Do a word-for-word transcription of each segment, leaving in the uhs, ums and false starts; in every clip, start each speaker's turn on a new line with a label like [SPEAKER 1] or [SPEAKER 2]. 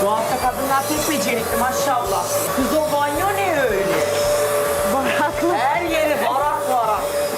[SPEAKER 1] Bu hafta kadınlar pek becerikli maşallah. Kız o banyo ne öyle?
[SPEAKER 2] Baraklı.
[SPEAKER 1] Her yeri varak varak.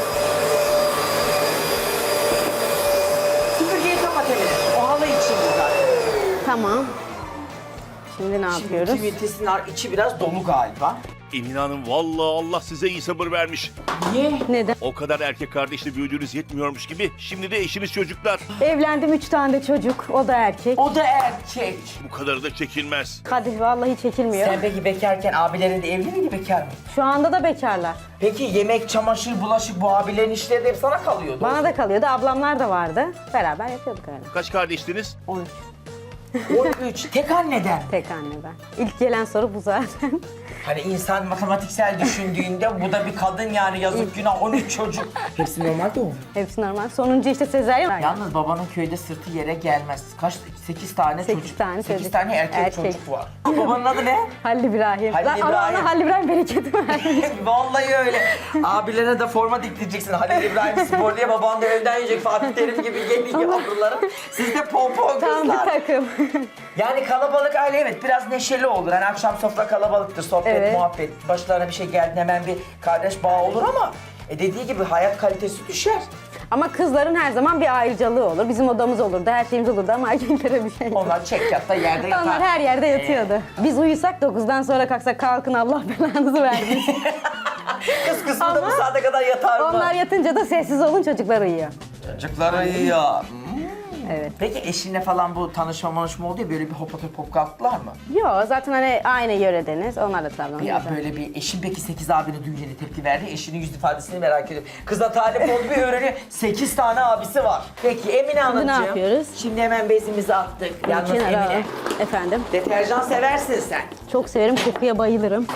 [SPEAKER 1] Süpürgeyi kapat Emine. O halı içinde zaten.
[SPEAKER 2] Tamam. Şimdi ne yapıyoruz?
[SPEAKER 1] Şimdi kimitesinin içi biraz dolu galiba.
[SPEAKER 3] Emine Hanım vallahi Allah size iyi sabır vermiş.
[SPEAKER 1] Niye?
[SPEAKER 2] Neden?
[SPEAKER 3] O kadar erkek kardeşle büyüdüğünüz yetmiyormuş gibi şimdi de eşiniz çocuklar.
[SPEAKER 2] Evlendim, üç tane de çocuk. O da erkek.
[SPEAKER 1] O da erkek.
[SPEAKER 3] Bu kadarı da çekilmez.
[SPEAKER 2] Kadir vallahi çekilmiyor.
[SPEAKER 1] Sen peki bekarken abilerin de evli miydi, bekar mı?
[SPEAKER 2] Şu anda da bekarlar.
[SPEAKER 1] Peki yemek, çamaşır, bulaşık bu abilerin işleri de hep sana kalıyordu.
[SPEAKER 2] Bana da kalıyordu. Ablamlar da vardı. Beraber yapıyorduk öyle.
[SPEAKER 3] Kaç kardeştiniz?
[SPEAKER 2] on üç.
[SPEAKER 1] on üç. Tek anneden.
[SPEAKER 2] Tek anne ben. İlk gelen soru bu zaten.
[SPEAKER 1] Hani insan matematiksel düşündüğünde bu da bir kadın yani yazık günah on üç çocuk. Hepsi normal doğum.
[SPEAKER 2] Hepsi normal. Sonuncu işte sezaryen.
[SPEAKER 1] Yalnız babanın köyde sırtı yere gelmez. Kaç? sekiz tane
[SPEAKER 2] Sekiz
[SPEAKER 1] çocuk.
[SPEAKER 2] tane
[SPEAKER 1] sekiz
[SPEAKER 2] çocuk.
[SPEAKER 1] tane erkek,
[SPEAKER 2] Erkek.
[SPEAKER 1] çocuk var. Babanın adı ne?
[SPEAKER 2] Halil İbrahim.
[SPEAKER 1] Halil
[SPEAKER 2] Lan
[SPEAKER 1] İbrahim.
[SPEAKER 2] Allah'ına Halil İbrahim bereketi vermiş.
[SPEAKER 1] Vallahi öyle. Abilerine de forma diktireceksin. Halil İbrahim Spor diye baban da evden yiyecek. Fatih Terim gibi geliyor yavrularım. Siz de pompon
[SPEAKER 2] Tam bir
[SPEAKER 1] kızlar.
[SPEAKER 2] takım.
[SPEAKER 1] Yani kalabalık aile evet biraz neşeli olur. Hani akşam sofra kalabalıktır, sohbet,
[SPEAKER 2] Evet.
[SPEAKER 1] muhabbet. Başlarına bir şey geldi hemen bir kardeş bağı olur ama e dediği gibi hayat kalitesi düşer.
[SPEAKER 2] Ama kızların her zaman bir ayrıcalığı olur. Bizim odamız olurdu, her şeyimiz olurdu ama erkeklere bir şey yok.
[SPEAKER 1] Onlar çek yatta yerde yatar.
[SPEAKER 2] Onlar her yerde yatıyordu. Biz uyusak dokuzdan sonra kalksak kalkın Allah belanızı vermesin.
[SPEAKER 1] Kız kısmı da
[SPEAKER 2] Ama
[SPEAKER 1] bu saate kadar yatar mı?
[SPEAKER 2] Onlar yatınca da sessiz olun, çocuklar uyuyor.
[SPEAKER 1] Çocuklar uyuyor.
[SPEAKER 2] Evet.
[SPEAKER 1] Peki eşinle falan bu tanışma manışma oldu ya böyle bir hop atıp hop kalktılar mı?
[SPEAKER 2] Yok zaten hani aynı yöredeniz. Onlar da Trabzon'da.
[SPEAKER 1] Ya böyle bir eşin peki sekiz abinin düğününe tepki verdi. Eşinin yüz ifadesini merak ediyorum. Kıza talip oldu bir öğreniyor. sekiz tane abisi var. Peki Emine Hanımcığım.
[SPEAKER 2] ne yapıyoruz?
[SPEAKER 1] Şimdi hemen bezimizi attık. Yalnız
[SPEAKER 2] Kenara
[SPEAKER 1] Emine.
[SPEAKER 2] alalım. Efendim.
[SPEAKER 1] Deterjan seversin sen.
[SPEAKER 2] Çok severim, kokuya bayılırım.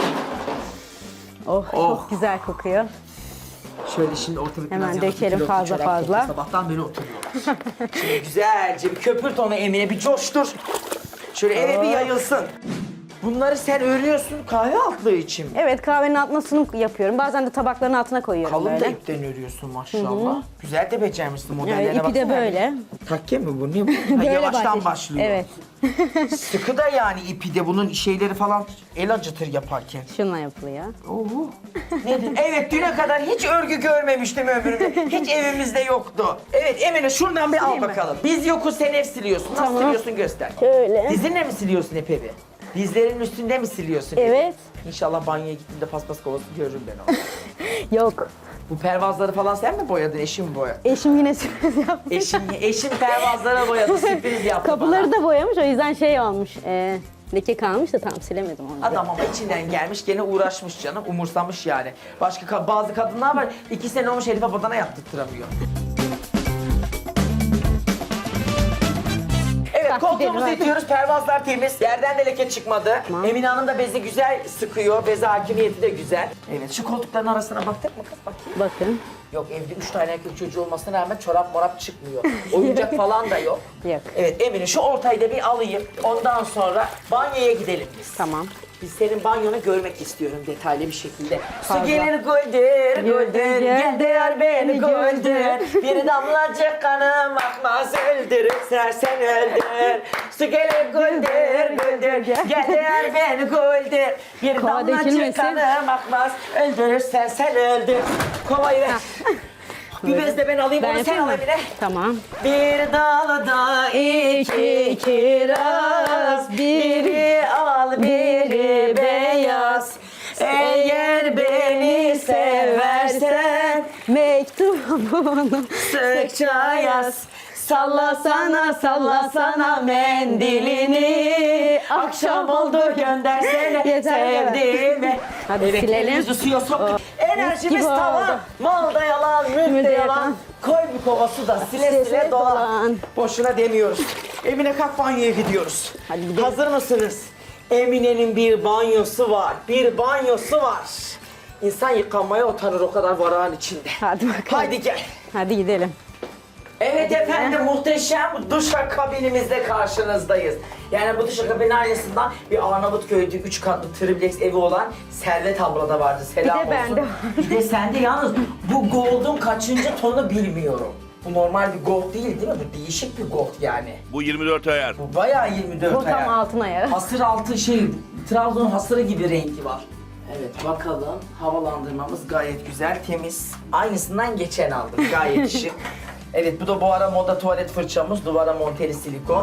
[SPEAKER 2] Oh,
[SPEAKER 1] Oh.
[SPEAKER 2] çok güzel kokuyor.
[SPEAKER 1] Şöyle şimdi ortalık
[SPEAKER 2] Hemen
[SPEAKER 1] biraz
[SPEAKER 2] dökelim
[SPEAKER 1] yakın,
[SPEAKER 2] fazla
[SPEAKER 1] çorap
[SPEAKER 2] fazla.
[SPEAKER 1] kokuyor. Sabahtan beri oturuyorlar. Şimdi güzelce bir köpürt onu Emine, bir coştur. Şöyle eve bir
[SPEAKER 2] Oh.
[SPEAKER 1] yayılsın. Bunları sen örüyorsun kahve altlığı için mi?
[SPEAKER 2] Evet, kahvenin altına sunum yapıyorum. Bazen de tabakların altına koyuyorum
[SPEAKER 1] Kalın da
[SPEAKER 2] böyle.
[SPEAKER 1] ipten örüyorsun maşallah. Güzel de becermişsin modellerine
[SPEAKER 2] Evet, ipi de
[SPEAKER 1] baksana.
[SPEAKER 2] böyle.
[SPEAKER 1] Takke mi bu? Ne bu? Ha,
[SPEAKER 2] Böyle
[SPEAKER 1] yavaştan
[SPEAKER 2] başlıyor.
[SPEAKER 1] başlıyor.
[SPEAKER 2] Evet.
[SPEAKER 1] Sıkı da yani ipi de bunun şeyleri falan el acıtır yaparken.
[SPEAKER 2] Şununla yapılıyor.
[SPEAKER 1] Oo. Nedir? Evet düne kadar hiç örgü görmemiştim ömrümde. Hiç evimizde yoktu. Evet Emine şuradan bir al
[SPEAKER 2] Sileyim mi?
[SPEAKER 1] bakalım. Biz yokuz sen ev siliyorsun. Nasıl
[SPEAKER 2] Tamam.
[SPEAKER 1] siliyorsun göster.
[SPEAKER 2] Şöyle.
[SPEAKER 1] Dizinle mi siliyorsun hep evi? Dizlerin üstünde mi siliyorsun evi?
[SPEAKER 2] Evet.
[SPEAKER 1] İnşallah banyoya gittiğimde paspas kovası görürüm ben onu.
[SPEAKER 2] Yok.
[SPEAKER 1] Bu pervazları falan sen mi boyadın? Eşim mi boyadı?
[SPEAKER 2] Eşim yine sürpriz yapmış.
[SPEAKER 1] Eşim, eşim pervazlara boyadı, sürpriz yaptı
[SPEAKER 2] Kapıları
[SPEAKER 1] bana.
[SPEAKER 2] da boyamış, o yüzden şey olmuş. E, leke kalmış da tam silemedim onu.
[SPEAKER 1] Adam ama içinden gelmiş, gene uğraşmış canım, umursamış yani. Başka ka- bazı kadınlar var, iki sene olmuş herife badana yaptırtıramıyor. Evet,
[SPEAKER 2] Bak,
[SPEAKER 1] koltuğumuzu
[SPEAKER 2] gidelim,
[SPEAKER 1] itiyoruz, pervazlar temiz, yerden de leke çıkmadı.
[SPEAKER 2] Tamam.
[SPEAKER 1] Emine Hanım da bezi güzel sıkıyor, beze hakimiyeti de güzel. Evet, şu koltukların arasına baktık mı kız bakayım?
[SPEAKER 2] Bakın.
[SPEAKER 1] Yok, evde üç tane erkek çocuğu olmasına rağmen çorap morap çıkmıyor. Oyuncak falan da yok.
[SPEAKER 2] Yok.
[SPEAKER 1] Evet, Emine şu ortayı da bir alayım, ondan sonra banyoya gidelim biz.
[SPEAKER 2] Tamam.
[SPEAKER 1] Biz senin banyonu görmek istiyorum detaylı bir şekilde. Su
[SPEAKER 2] Fazla.
[SPEAKER 1] gelir güldür, güldür, gel değer beni güldür. Bir damlacık kanım akmaz öldürür, sen sen öldür. Su gelir güldür, güldür, gel değer beni güldür. Bir
[SPEAKER 2] Kova
[SPEAKER 1] damlacık
[SPEAKER 2] dökülmesin.
[SPEAKER 1] kanım akmaz öldürür, sen sen öldür. Kovayı ver. Bir bez de ben alayım,
[SPEAKER 2] Ben
[SPEAKER 1] onu sen
[SPEAKER 2] yapayım
[SPEAKER 1] al
[SPEAKER 2] mı?
[SPEAKER 1] Emine.
[SPEAKER 2] Tamam.
[SPEAKER 1] Bir dalda iki kiraz, biri al biri beyaz. Eğer beni seversen
[SPEAKER 2] Mektubunu
[SPEAKER 1] sıkça yaz. Sallasana sallasana mendilini. Akşam oldu göndersene
[SPEAKER 2] Yeter,
[SPEAKER 1] sevdiğimi.
[SPEAKER 2] Hadi
[SPEAKER 1] Evet,
[SPEAKER 2] silelim.
[SPEAKER 1] elimizi suya soktuk. Enerjimiz
[SPEAKER 2] gibi
[SPEAKER 1] tavan.
[SPEAKER 2] oldu.
[SPEAKER 1] Malda yalan, mülkte
[SPEAKER 2] Mülkte
[SPEAKER 1] yalan.
[SPEAKER 2] yalan.
[SPEAKER 1] Koy bir kova su da sile
[SPEAKER 2] Sile
[SPEAKER 1] sile
[SPEAKER 2] sile
[SPEAKER 1] dolan.
[SPEAKER 2] dolan.
[SPEAKER 1] Boşuna demiyoruz. Emine kalk banyoya gidiyoruz.
[SPEAKER 2] Hadi gidelim.
[SPEAKER 1] Hazır mısınız? Emine'nin bir banyosu var. Bir banyosu var. İnsan yıkanmaya utanır o kadar varağın içinde.
[SPEAKER 2] Hadi bakalım.
[SPEAKER 1] Haydi gel.
[SPEAKER 2] Hadi gidelim.
[SPEAKER 1] Evet efendim, muhteşem duşakabinimizde karşınızdayız. Yani bu duşakabinin aynısından bir Arnavutköy'de üç katlı triplex evi olan Servet ablada vardı. Selam
[SPEAKER 2] Bir de
[SPEAKER 1] olsun.
[SPEAKER 2] bende var.
[SPEAKER 1] Bir de sende yalnız bu gold'un kaçıncı tonu bilmiyorum. Bu normal bir gold değil değil mi? Bu değişik bir gold yani.
[SPEAKER 3] Bu yirmi dört ayar.
[SPEAKER 1] Bu bayağı yirmi dört
[SPEAKER 2] Bu tam
[SPEAKER 1] ayar.
[SPEAKER 2] altın ayarı.
[SPEAKER 1] Hasır altı şey, Trabzon hasırı gibi rengi var. Evet bakalım, havalandırmamız gayet güzel, temiz. Aynısından geçen aldım, gayet şık. Evet bu da bu ara moda tuvalet fırçamız, duvara monteli silikon.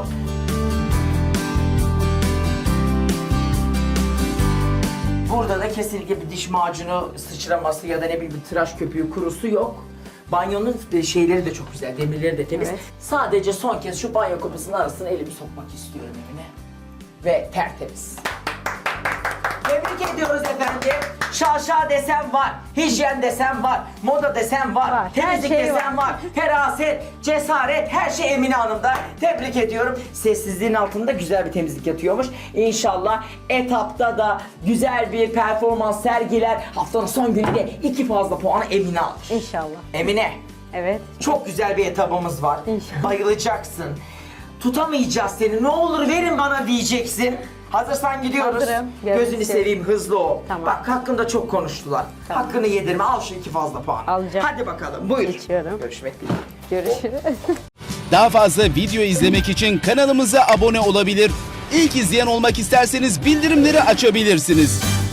[SPEAKER 1] Burada da kesinlikle bir diş macunu sıçraması ya da ne bileyim bir tıraş köpüğü kurusu yok. Banyonun şeyleri de çok güzel, demirleri de temiz.
[SPEAKER 2] Evet.
[SPEAKER 1] Sadece son kez şu banyo kapısının arasına elimi sokmak istiyorum evine. Ve tertemiz. Tebrik ediyoruz efendim. Şaşa desem var, hijyen desem var, moda desem var,
[SPEAKER 2] Var, her
[SPEAKER 1] temizlik
[SPEAKER 2] şey
[SPEAKER 1] desem var.
[SPEAKER 2] var.
[SPEAKER 1] Feraset, cesaret, her şey Emine Hanım'da. Tebrik ediyorum. Sessizliğin altında güzel bir temizlik yatıyormuş. İnşallah etapta da güzel bir performans sergiler. Haftanın son gününde iki fazla puanı Emine alır.
[SPEAKER 2] İnşallah.
[SPEAKER 1] Emine,
[SPEAKER 2] Evet.
[SPEAKER 1] çok güzel bir etabımız var.
[SPEAKER 2] İnşallah.
[SPEAKER 1] Bayılacaksın. Tutamayacağız seni. Ne olur verin bana diyeceksin. Hazırsan gidiyoruz.
[SPEAKER 2] Hazırım. Görmek
[SPEAKER 1] Gözünü
[SPEAKER 2] istiyorum.
[SPEAKER 1] seveyim, hızlı ol.
[SPEAKER 2] Tamam.
[SPEAKER 1] Bak hakkında çok konuştular.
[SPEAKER 2] Tamam.
[SPEAKER 1] Hakkını yedirme. Al şu iki fazla puan.
[SPEAKER 2] Alacağım.
[SPEAKER 1] Hadi bakalım. Buyur.
[SPEAKER 2] Geçiyorum.
[SPEAKER 1] Görüşmek dileğiyle.
[SPEAKER 2] Görüşürüz.
[SPEAKER 4] Daha fazla video izlemek için kanalımıza abone olabilir. İlk izleyen olmak isterseniz bildirimleri açabilirsiniz.